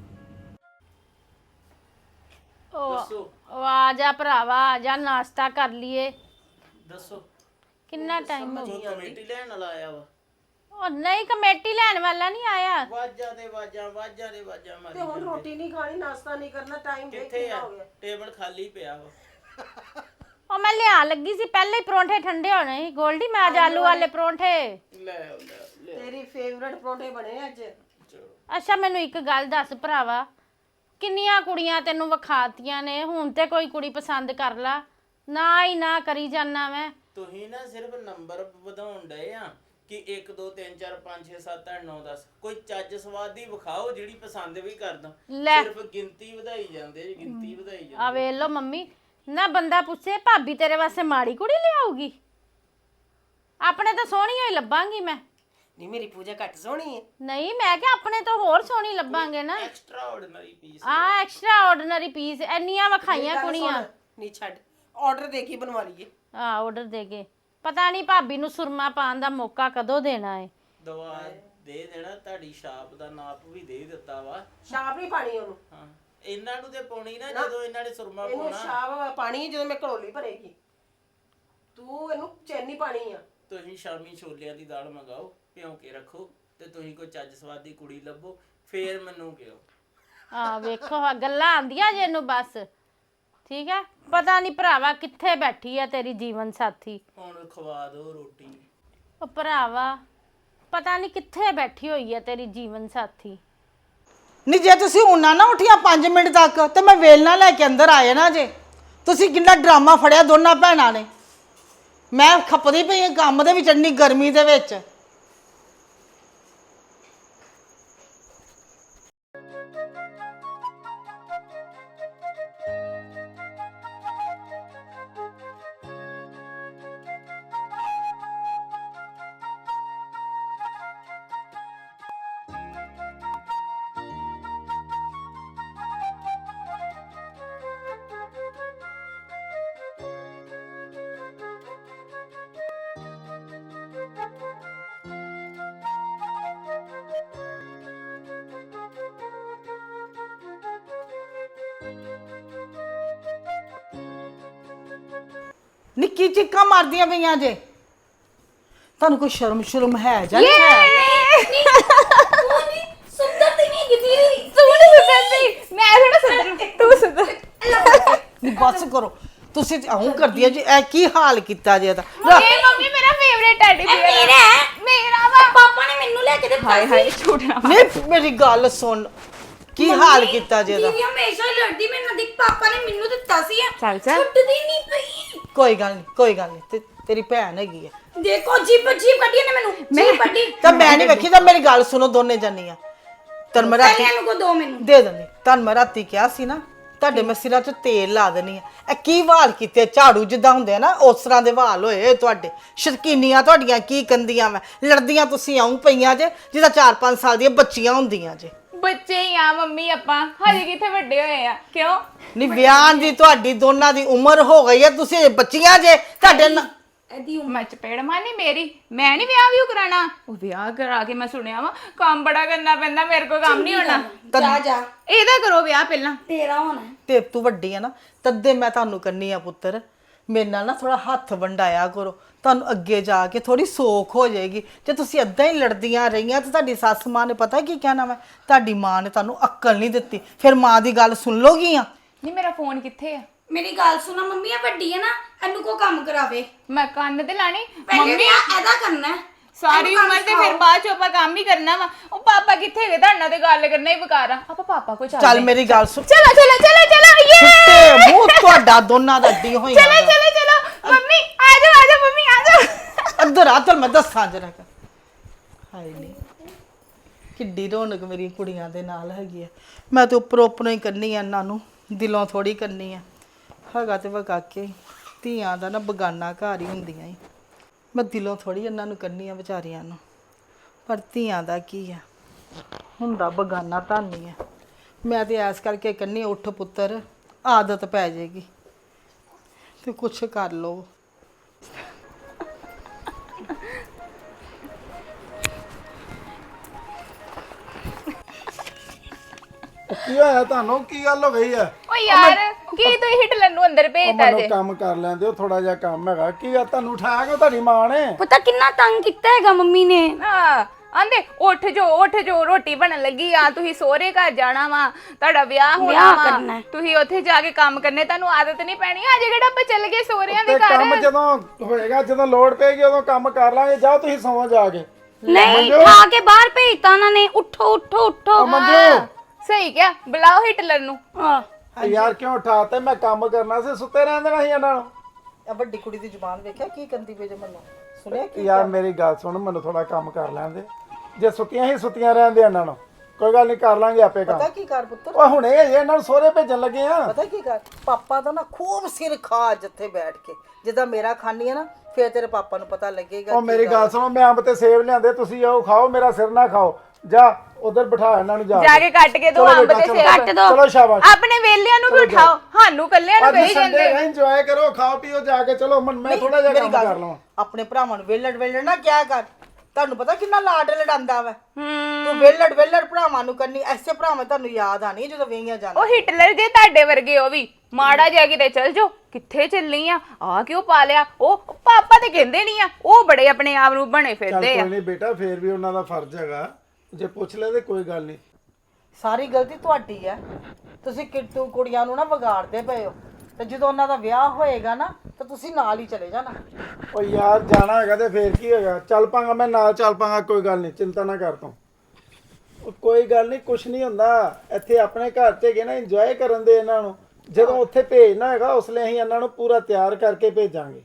S6: ਉਹ ਉਹ ਆ ਜਾ ਭਰਾਵਾ ਆ ਜਾ ਨਾਸ਼ਤਾ ਕਰ ਲਈਏ
S5: ਦੱਸੋ
S6: ਕਿੰਨਾ ਟਾਈਮ ਹੋ
S5: ਤੂੰ ਕਮੇਟੀ ਲੈਣ ਵਾਲਾ ਆਇਆ ਵਾ
S6: ਉਹ ਨਹੀਂ ਕਮੇਟੀ ਲੈਣ ਵਾਲਾ ਨਹੀਂ ਆਇਆ
S5: ਵਾਜਾਂ ਦੇ ਵਾਜਾਂ ਵਾਜਾਂ ਦੇ ਵਾਜਾਂ ਮਾਰੀ
S8: ਤੇ ਹੁਣ ਰੋਟੀ ਨਹੀਂ ਖਾਣੀ ਨਾਸ਼ਤਾ ਨਹੀਂ ਕਰਨਾ ਟਾਈਮ ਦੇਖ
S5: ਕਿੱਥੇ ਆ ਟੇਬਲ ਖਾਲੀ ਪਿਆ ਵਾ
S6: ਉਹ ਮੈਂ ਲਿਆ ਲੱਗੀ ਸੀ ਪਹਿਲੇ ਹੀ ਪਰੌਂਠੇ ਠੰਡੇ ਹੋਣੇ ਸੀ ਗੋਲਡੀ ਮੈਂ ਅੱਜ ਆਲੂ ਵਾਲੇ ਪਰੌਂਠੇ
S5: ਲੈ ਆਓ, ਲੈ ਆਓ, ਲੈ ਆਓ।
S8: ਤੇਰੀ ਫੇਵਰਟ ਪਰੌਂਠੇ ਬਣੇ ਅੱਜ
S6: ਅੱਛਾ ਮੈਨੂੰ ਇੱਕ ਗੱਲ ਦੱਸ ਭਰਾਵਾ ਕਿੰਨੀਆਂ ਕੁੜੀਆਂ ਤੈਨੂੰ ਵਿਖਾਤੀਆਂ ਨੇ ਹੁਣ ਤੇ ਕੋਈ ਕੁੜੀ ਪਸੰਦ ਕਰ ਲਾ ਨਾ ਹੀ ਨਾ ਕਰੀ ਜਾਨਾ ਮੈਂ
S5: ਤੁਸੀਂ ਨਾ ਸਿਰਫ ਨੰਬਰ ਵਧਾਉਣ ਡਏ ਆ ਕਿ ਇੱਕ ਦੋ ਤਿੰਨ ਚਾਰ ਪੰਜ ਛੇ ਸੱਤ ਅੱਠ ਨੌ ਦਸ ਕੋਈ ਚੱਜ ਸਵਾਦ ਦੀ ਵਿਖਾਓ ਜਿਹੜੀ ਪਸੰਦ ਵੀ ਕਰਦਾ
S6: ਲੈ।
S5: ਸਿਰਫ ਗਿਣਤੀ ਵਧਾਈ ਜਾਂਦੇ ਜੀ ਗਿਣਤੀ ਵਧਾਈ ਜਾਂਦੇ
S6: ਆ ਵੇਖ ਲੋ ਮੰਮੀ ਨਾ ਬੰਦਾ ਪੁੱਛੇ ਭਾਬੀ ਤੇਰੇ ਵਾਸਤੇ ਮਾੜੀ ਕੁੜੀ ਲਿਆਊਗੀ ਆਪਣੇ ਤਾਂ ਸੋਹਣੀ ਹੋਈ ਲੱਭਾਂਗੀ ਮੈਂ
S8: ਨਹੀਂ ਮੇਰੀ ਪੂਜਾ ਘੱਟ ਸੋਹਣੀ ਹੈ
S6: ਨਹੀਂ ਮੈਂ ਕਿ ਆਪਣੇ ਤੋਂ ਹੋਰ ਸੋਹਣੀ ਲੱਭਾਂਗੇ ਨਾ
S5: ਐਕਸਟਰਾ ਆਰਡੀਨਰੀ ਪੀਸ
S6: ਆ ਐਕਸਟਰਾ ਆਰਡੀਨਰੀ ਪੀਸ ਇੰਨੀਆਂ ਵਿਖਾਈਆਂ ਕੁੜੀਆਂ
S8: ਨਹੀਂ ਛੱਡ ਆਰਡਰ ਦੇ ਕੇ ਬਣਵਾ ਲਈਏ
S6: ਆ ਆਰਡਰ ਦੇ ਕੇ ਪਤਾ ਨਹੀਂ ਭਾਬੀ ਨੂੰ ਸੁਰਮਾ ਪਾਉਣ ਦਾ ਮੌਕਾ ਕਦੋਂ ਦੇਣਾ ਹੈ
S5: ਦਵਾ ਦੇ ਦੇਣਾ ਤੁਹਾਡੀ ਸ਼ਾਪ ਦਾ ਨਾਪ ਵੀ ਦੇ ਦਿੱਤਾ ਵਾ
S8: ਸ਼ਾਪ ਨਹੀਂ ਪਾਣੀ ਉਹਨੂੰ
S5: ਹਾਂ ਇਹਨਾਂ ਨੂੰ ਤੇ ਪਾਉਣੀ ਨਾ ਜਦੋਂ ਇਹਨਾਂ ਨੇ ਸੁਰਮਾ
S8: ਇਹਨੂੰ
S5: ਪਾਉਣਾ
S8: ਸ਼ਾਪ ਪਾਣੀ ਜਦੋਂ ਮੈਂ ਘੜੋਲੀ ਭਰੇਗੀ ਤੂੰ ਇਹਨੂੰ ਚੈਨੀ ਪਾਣੀ ਆ
S5: ਤੁਸੀਂ ਸ਼ਾਮੀ ਛੋਲਿਆਂ ਦੀ ਦਾਲ ਮੰਗਾਓ ਭਿਉਂ ਕੇ ਰੱਖੋ ਤੇ ਤੁਸੀਂ ਕੋਈ ਚੱਜ ਸਵਾਦ ਦੀ ਕੁੜੀ ਲੱਭੋ ਫੇਰ ਮੈਨੂੰ ਕਿਹੋ
S6: ਆ ਵੇਖੋ ਆਹ ਗੱਲਾਂ ਆਂਦੀਆਂ ਜੇ ਇਹਨੂੰ ਬਸ ਠੀਕ ਹੈ ਪਤਾ ਨਹੀਂ ਭਰਾਵਾ ਕਿੱਥੇ ਬੈਠੀ ਹੈ ਤੇਰੀ ਜੀਵਨ ਸਾਥੀ
S5: ਹੁਣ ਖਵਾ ਦਿਓ ਰੋਟੀ
S6: ਉਹ ਭਰਾਵਾ ਪਤਾ ਨਹੀਂ ਕਿੱਥੇ ਬੈਠੀ ਹੋਈ ਹੈ ਤੇਰੀ ਜੀਵਨ ਸਾਥੀ
S2: ਨਹੀਂ ਜੇ ਤੁਸੀਂ ਉਹਨਾਂ ਨਾ ਉੱਠੀਆਂ ਪੰਜ ਮਿੰਟ ਤੱਕ ਤੇ ਮੈਂ ਵੇਲਣਾ ਲੈ ਕੇ ਅੰਦਰ ਆਏ ਨਾ ਜੇ ਤੁਸੀਂ ਕਿੰਨਾ ਡਰਾਮਾ ਫੜਿਆ ਦੋਨਾਂ ਭੈਣਾਂ ਨੇ ਮੈਂ ਖੱਪਦੀ ਪਈ ਹਾਂ ਕੰਮ ਦੇ ਵਿੱਚ ਇੰਨੀ ਗਰਮੀ ਦੇ ਵਿੱਚ ਨਿੱਕੀ ਚੀਕਾਂ ਮਾਰਦੀਆਂ ਪਈਆਂ ਜੇ ਤੁਹਾਨੂੰ ਕੋਈ ਸ਼ਰਮ ਸ਼ਰਮ ਹੈ ਜਾਂ ਨਹੀਂ ਹੈ
S4: ਸੁੰਦਰ ਤੇ ਨਹੀਂ ਦੀਦੀ ਤੂੰ ਨਹੀਂ ਸੁੰਦਰਦੀ ਮੈਂ ਥੋੜਾ ਸੁੰਦਰ ਤੂੰ ਸੁੰਦਰ
S2: ਨਹੀਂ ਬਸ ਕਰੋ ਤੁਸੀਂ ਆਉਂ ਕਰਦੀ ਜੀ ਇਹ ਕੀ ਹਾਲ ਕੀਤਾ ਜੇ ਇਹਦਾ
S4: ਇਹ ਮੰਮੀ ਮੇਰਾ ਫੇਵਰੇਟ ਟੈਡੀ ਬੀਅਰ ਮੇਰਾ ਮੇਰਾ ਵਾ ਪਾਪਾ ਨੇ ਮੈਨੂੰ ਲੈ ਕੇ ਦਿੱਤਾ ਹਾਏ ਹਾਏ ਛੋਟਣਾ
S2: ਨਹੀਂ ਮੇਰੀ ਗੱਲ ਸੁਣ ਕੀ ਹਾਲ ਕੀਤਾ ਜੇ ਇਹਦਾ
S4: ਦੀਦੀ ਹਮੇਸ਼ਾ ਹੀ ਲੜਦੀ ਮੇਰੇ ਨਾਲ ਦੀ ਪਾਪਾ ਨੇ ਮੈਨੂੰ ਦਿੱਤਾ ਸੀ
S1: ਚੱਲ ਚੱਲ
S4: ਛੁੱਟਦੀ ਨਹੀਂ ਪਈ
S2: ਕੋਈ ਗੱਲ ਨਹੀਂ ਕੋਈ ਗੱਲ ਨਹੀਂ ਤੇ ਤੇਰੀ ਭੈਣ ਹੈਗੀ ਆ।
S4: ਦੇਖੋ ਜੀਪ ਜੀਪ ਕੱਢੀ ਨੇ ਮੈਨੂੰ ਜੀਪ ਕੱਢੀ
S2: ਤਾਂ ਮੈਂ ਨਹੀਂ ਵੇਖੀ ਤਾਂ ਮੇਰੀ ਗੱਲ ਸੁਣੋ ਦੋਨੇ ਜਣੀਆਂ। ਤਨ ਮੈਂ ਰਾਤੀ
S4: ਪਹਿਲੇ ਨੂੰ ਕੋ ਦੋ ਮੈਨੂੰ
S2: ਦੇ ਦਿੰਦੀ ਤਨ ਮੈਂ ਰਾਤੀ ਕਿਹਾ ਸੀ ਨਾ ਤੁਹਾਡੇ ਮੈਂ ਸਿਰਾਂ 'ਚ ਤੇਲ ਲਾ ਦੇਣੀ ਆ। ਇਹ ਕੀ ਵਾਲ ਕੀਤੇ ਝਾੜੂ ਜਿੱਦਾਂ ਹੁੰਦੇ ਆ ਨਾ ਉਸ ਤਰ੍ਹਾਂ ਦੇ ਵਾਲ ਹੋਏ ਤੁਹਾਡੇ। ਸ਼ਰਕੀਨੀਆਂ ਤੁਹਾਡੀਆਂ ਕੀ ਕੰਦੀਆਂ ਮੈਂ ਲੜਦੀਆਂ ਤੁਸੀਂ ਆਉਂ ਪਈਆਂ ਜੇ ਜਿੱਦਾਂ ਚਾਰ ਪੰਜ ਸਾਲ ਦੀਆਂ ਬੱਚੀਆਂ ਹੁੰਦੀਆਂ ਜੇ।
S4: ਬੱਚੇ ਹੀ ਆ ਮੰਮੀ ਆਪਾਂ ਹਜੇ ਕਿੱਥੇ ਵੱਡੇ ਹੋਏ ਆ ਕਿਉਂ
S2: ਨਹੀਂ ਵਿਆਹ ਦੀ ਤੁਹਾਡੀ ਦੋਨਾਂ ਦੀ ਉਮਰ ਹੋ ਗਈ ਹੈ ਤੁਸੀਂ ਬੱਚੀਆਂ ਜੇ ਤੁਹਾਡੇ ਨਾਲ
S4: ਇਹਦੀ ਉਮਰ ਚਪੇੜ ਮਾਨੀ ਮੇਰੀ ਮੈਂ ਨਹੀਂ ਵਿਆਹ ਵੀ ਕਰਾਣਾ ਉਹ ਵਿਆਹ ਕਰਾ ਕੇ ਮੈਂ ਸੁਣਿਆ ਵਾ ਕੰਮ ਬੜਾ ਕਰਨਾ ਪੈਂਦਾ ਮੇਰੇ ਕੋਲ ਕੰਮ ਨਹੀਂ ਹੋਣਾ
S2: ਜਾ
S4: ਜਾ ਇਹਦਾ ਕਰੋ ਵਿਆਹ ਪਹਿਲਾਂ
S6: ਤੇਰਾ ਹੋਣਾ
S2: ਤੇ ਤੂੰ ਵੱਡੀ ਆ ਨਾ ਤੱਦੇ ਮੈਂ ਤੁਹਾਨੂੰ ਕੰਨੀ ਆ ਪੁੱਤਰ। ਮੇਰੇ ਨਾਲ ਨਾ ਥੋੜਾ ਹੱਥ ਵੰਡਾਇਆ ਕਰੋ ਤੁਹਾਨੂੰ ਅੱਗੇ ਜਾ ਕੇ ਥੋੜੀ ਸੋਖ ਹੋ ਜਾਏਗੀ। ਜੇ ਤੁਸੀਂ ਅੱਧਾ ਹੀ ਲੜਦੀਆਂ ਰਹੀਆਂ ਤੇ ਤੁਹਾਡੀ ਸੱਸ ਮਾਂ ਨੇ ਪਤਾ ਕੀ ਕਹਿਣਾ ਵਾ ਤੁਹਾਡੀ ਮਾਂ ਨੇ ਤੁਹਾਨੂੰ ਅਕਲ ਨਹੀਂ ਦਿੱਤੀ ਫਿਰ ਮਾਂ ਦੀ ਗੱਲ ਸੁਣ ਲੋਗੀਆਂ।
S4: ਨਹੀਂ ਮੇਰਾ ਫੋਨ ਕਿੱਥੇ ਆ
S6: ਮੇਰੀ ਗੱਲ ਸੁਣਾ ਮੰਮੀ ਆ ਵੱਡੀ ਹੈ ਨਾ ਇਹਨੂੰ ਕੋ ਕੰਮ ਕਰਾਵੇ
S4: ਮੈਂ ਕੰਨ ਤੇ ਲਾਣੀ
S6: ਪਹਿਲੇ ਵਿਆਹ ਇਹਦਾ ਕਰਨਾ ਹੈ
S4: ਸਾਰੀ ਉਮਰ ਤੇ ਫਿਰ ਬਾਅਦ ਚ ਆਪਾਂ ਕੰਮ ਹੀ ਕਰਨਾ ਵਾ। ਉਹ ਪਾਪਾ ਕਿੱਥੇ ਗਏ ਤੁਹਾਡੇ ਨਾਲ ਤੇ ਗੱਲ ਕਰਨਾ ਹੀ ਬਕਾਰ ਆ ਆਪਾਂ ਪਾਪਾ ਕੋ ਚੱਲਦੇ
S2: ਚੱਲ ਮੇਰੀ ਗੱਲ ਸੁਣ
S4: ਚਲੋ ਚਲੋ ਚਲੋ ਚਲੋ ਯੇ
S2: ਤੇ ਮੂੰਹ ਤੁਹਾਡਾ ਦੋਨਾਂ ਦਾ ਅੱਡੀ ਹੋਈ
S4: ਚਲੋ ਚਲੋ ਚਲੋ ਮੰਮੀ ਆ ਜਾਓ ਆ ਜਾਓ ਮੰਮੀ ਆ ਜਾਓ
S2: ਅੰਦਰ ਆ ਚੱਲ ਮੈਂ ਦੱਸਾਂ ਜਰਾ ਹਾਏ ਨਹੀਂ ਕਿੱਡੀ ਰੌਣਕ ਮੇਰੀ ਕੁੜੀਆਂ ਦੇ ਨਾਲ ਹੈਗੀ ਆ। ਮੈਂ ਤੇ ਉੱਪਰੋਂ ਉੱਪਰੋਂ ਹੀ ਕਰਨੀ ਆ ਇਹਨਾਂ ਨੂੰ ਦਿਲੋਂ ਥੋੜੀ ਕਰਨੀ ਆ। ਹੈਗਾ ਤੇ ਵਗਾ ਕੇ ਧੀਆਂ ਦਾ ਨਾ ਬਗਾਨਾ ਘਰ ਹੀ ਹੁੰਦੀਆਂ ਈ। ਮੈਂ ਦਿਲੋਂ ਥੋੜੀ ਇਹਨਾਂ ਨੂੰ ਕਰਨੀ ਆ ਵਿਚਾਰੀਆਂ ਨੂੰ ਪਰ ਧੀਆਂ ਦਾ ਕੀ ਆ ਹੁੰਦਾ ਬਗਾਨਾ ਤਾਂ ਨਹੀਂ ਆ। ਮੈਂ ਤੇ ਐਸ ਕਰਕੇ ਕਰਨੀ ਉੱਠ ਪੁੱਤਰ ਆਦਤ ਪੈ ਜਾਏਗੀ ਤੇ ਕੁਛ ਕਰ ਲਓ।
S3: ਕੀ ਹੋਇਆ ਤੁਹਾਨੂੰ ਕੀ ਗੱਲ ਹੋ ਗਈ ਆ?
S4: ਓ ਯਾਰ ਕੀ ਤੂੰ ਹਿਟਲਰ ਨੂੰ ਅੰਦਰ
S3: ਉਹ
S4: ਭੇਜਦਾ
S3: ਮੈਨੂੰ
S4: ਜੇ
S3: ਕੰਮ ਕਰ ਲੈਂਦੇ ਹੋ ਥੋੜਾ ਜਿਹਾ ਕੰਮ ਹੈਗਾ। ਕੀ ਆ ਤੁਹਾਨੂੰ ਉਠਾਇਆ ਕਿਉਂ ਤੁਹਾਡੀ ਮਾਂ ਨੇ?
S6: ਪਤਾ ਕਿੰਨਾ ਤੰਗ ਕੀਤਾ ਹੈਗਾ ਮੰਮੀ ਨੇ
S4: ਹਾਂ ਆਂਦੇ ਉੱਠ ਜੋ ਉੱਠ ਜੋ ਰੋਟੀ ਬਣਨ ਲੱਗੀ ਆ ਤੁਸੀਂ ਸਹੁਰੇ ਘਰ ਜਾਣਾ ਵਾ ਤੁਹਾਡਾ ਵਿਆਹ ਹੋਣਾ
S6: ਵਿਆਹ
S4: ਵਾ
S6: ਕਰਨਾ ਹੈ।
S4: ਤੁਸੀਂ ਉੱਥੇ ਜਾ ਕੇ ਕੰਮ ਕਰਨੇ ਤੁਹਾਨੂੰ ਆਦਤ ਨਹੀਂ ਪੈਣੀ ਅੱਜ ਕਿਹੜਾ ਆਪਾਂ ਚੱਲ ਗਏ ਸਹੁਰਿਆਂ ਦੇ
S3: ਤੇ ਕੰਮ
S4: ਘਰ
S3: ਜਦੋਂ ਹੋਏਗਾ ਜਦੋਂ ਲੋੜ ਪਏਗੀ ਉਦੋਂ ਕੰਮ ਕਰ ਲਾਂਗੇ। ਜਾਓ ਤੁਸੀਂ ਸੌਂ ਜਾ ਕੇ।
S6: ਨਹੀਂ ਖਾ ਕੇ ਬਾਹਰ ਭੇਜਤਾ ਉਹਨਾਂ ਨੇ ਉੱਠੋ ਉੱਠੋ ਉੱਠੋ
S3: ਮੰਜੂ
S4: ਸਹੀ ਕਿਹਾ ਬੁਲਾਓ ਹਿਟਲਰ ਨੂੰ
S6: ਹਾਂ
S3: ਯਾਰ ਕਿਉਂ ਉਠਾਤੇ? ਮੈਂ ਕੰਮ ਕਰਨਾ ਸੀ ਸੁੱਤੇ ਰਹਿਣ ਦੇਣਾ ਸੀ ਇਹਨਾਂ ਨੂੰ।
S2: ਆ ਵੱਡੀ ਕੁੜੀ ਦੀ ਜ਼ੁਬਾਨ ਵੇਖਿਆ ਕੀ ਕੰਦੀ ਪਈ ਜੇ ਮੈਨੂੰ ਸੁਣਿਆ ਕੀ
S3: ਯਾਰ ਮੇਰੀ ਗੱਲ ਸੁਣ ਮੈਨੂੰ ਥੋੜਾ ਕੰਮ ਕਰ ਲੈਣ ਦੇ। ਜੇ ਸੁੱਤੀਆਂ ਹੀ ਸੁੱਤੀਆਂ ਰਹਿਣ ਦੇ ਇਹਨਾਂ ਨੂੰ ਕੋਈ ਗੱਲ ਨਹੀਂ ਕਰ ਲਾਂਗੇ ਆਪੇ ਕੰਮ।
S2: ਪਤਾ ਕੀ ਕਰ ਪੁੱਤਰ
S3: ਓਏ ਹੁਣੇ ਇਹ ਇਹਨਾਂ ਨੂੰ ਸਹੁਰੇ ਭੇਜਣ ਲੱਗੇ ਆ।
S2: ਪਤਾ ਕੀ ਕਰ ਪਾਪਾ ਦਾ ਨਾ ਖੂਬ ਸਿਰ ਖਾ ਜਿੱਥੇ ਬੈਠ ਕੇ ਜਿੱਦਾਂ ਮੇਰਾ ਖਾਣੀ ਆ ਨਾ ਫੇਰ ਤੇਰੇ ਪਾਪਾ ਨੂੰ ਪਤਾ ਲੱਗੇਗਾ।
S3: ਉਹ ਮੇਰੀ ਗੱਲ ਸੁਣੋ ਮੈਂ ਅੰਬ ਤੇ ਸੇਬ ਲਿਆਂਦੇ ਤੁਸੀਂ ਆਓ ਖਾਓ ਮੇਰਾ ਸਿਰ ਨਾ ਖਾਓ। ਜਾ ਉਧਰ ਬਿਠਾ ਇਹਨਾਂ ਨੂੰ ਜਾ
S4: ਜਾ ਕੇ ਕੱਟ ਕੇ ਦੋ
S3: ਚਲੋ
S4: ਅੰਬ
S3: ਬੇਟਾ,
S4: ਤੇ
S3: ਚਲੋ।
S4: ਸੇਬ
S6: ਕੱਟ ਦੋ
S3: ਚਲੋ ਸ਼ਾਬਾਸ਼।
S4: ਆਪਣੇ ਵੇਲਿਆਂ ਨੂੰ ਵੀ ਉਠਾਓ ਸਾਨੂੰ ਕੱਲਿਆਂ ਨੂੰ
S3: ਅੱਜ
S4: ਕਹੀ
S3: ਸੰਡੇ
S4: ਜਾਂਦੇ
S3: ਹੈ ਇੰਜੋਏ ਕਰੋ ਖਾਓ ਪੀਓ ਜਾ ਕੇ। ਚਲੋ ਮੈਂ ਮੈਂ ਥੋੜਾ ਜਿਹਾ
S2: ਮੇਰੀ
S3: ਕੰਮ
S2: ਗੱਲ
S3: ਕਰ ਲਵਾਂ।
S2: ਆਪਣੇ ਭਰਾਵਾਂ ਨੂੰ ਵੇਲੜ ਵੇਲੜ ਨਾ ਕਿਆ ਕਰ ਤੁਹਾਨੂੰ ਪਤਾ ਕਿੰਨਾ ਲਾਡ ਲੜਾਂਦਾ ਵਾ
S4: ਹੂੰ
S2: ਤੂੰ ਵੇਲੜ ਵੇਲੜ ਭਰਾਵਾਂ ਨੂੰ ਕਰਨੀ ਐਸੇ ਭਰਾਵਾਂ ਤੁਹਾਨੂੰ ਯਾਦ ਆਣੀ ਜਦੋਂ ਵੇਈਆਂ ਜਾਣਾ।
S4: ਉਹ ਹਿਟਲਰ ਜੇ ਤੁਹਾਡੇ ਵਰਗੇ ਉਹ ਵੀ ਮਾੜਾ ਜਿਹਾ ਕਿਤੇ ਚਲ ਜਾਓ ਕਿੱਥੇ ਚੱਲੀ ਆ ਆ ਕਿਉਂ ਪਾ ਲਿਆ ਉਹ ਪਾਪਾ ਤੇ ਕਹਿੰਦੇ ਨਹੀਂ ਆ ਉਹ ਬੜੇ ਆਪਣੇ ਆਪ ਨੂੰ ਬਣੇ
S3: ਚੱਲ
S4: ਫਿਰਦੇ ਆ
S3: ਕੋਈ ਨਹੀਂ ਬੇਟਾ ਫੇਰ ਵੀ ਉਹਨਾਂ ਦਾ ਫਰਜ਼ ਹੈਗਾ ਜੇ ਪੁੱਛ ਲੈ ਤੇ ਕੋਈ ਗੱਲ ਨਹੀਂ।
S2: ਸਾਰੀ ਗਲਤੀ ਤੁਹਾਡੀ ਹੈ ਤੁਸੀਂ ਕਿੱਟੂ ਕੁੜੀਆਂ ਨੂੰ ਨਾ ਵਿਗਾੜਦੇ ਪਏ ਹੋ ਤੇ ਜਦੋਂ ਉਹਨਾਂ ਦਾ ਵਿਆਹ ਹੋਏਗਾ ਨਾ ਤਾਂ ਤੁਸੀਂ ਨਾਲ ਹੀ ਚਲੇ ਜਾਣਾ।
S3: ਓ ਯਾਰ ਜਾਣਾ ਹੈਗਾ ਤੇ ਫੇਰ ਕੀ ਹੈਗਾ ਚੱਲ ਪਾਂਗਾ ਮੈਂ ਨਾਲ ਚੱਲ ਪਾਂਗਾ ਕੋਈ ਗੱਲ ਨਹੀਂ ਚਿੰਤਾ ਨਾ ਕਰ ਤੂੰ। ਉਹ ਕੋਈ ਗੱਲ ਨਹੀਂ ਕੁਛ ਨਹੀਂ ਹੁੰਦਾ ਇੱਥੇ ਆਪਣੇ ਘਰ 'ਚ ਹੈਗੇ ਨਾ ਇੰਜੋਏ ਕਰਨ ਦੇ ਇਹਨਾਂ ਨੂੰ। ਜਦੋਂ ਉੱਥੇ ਭੇਜਣਾ ਹੈਗਾ ਉਸ ਲਈ ਅਸੀਂ ਇਹਨਾਂ ਨੂੰ ਪੂਰਾ ਤਿਆਰ ਕਰਕੇ ਭੇਜਾਂਗੇ।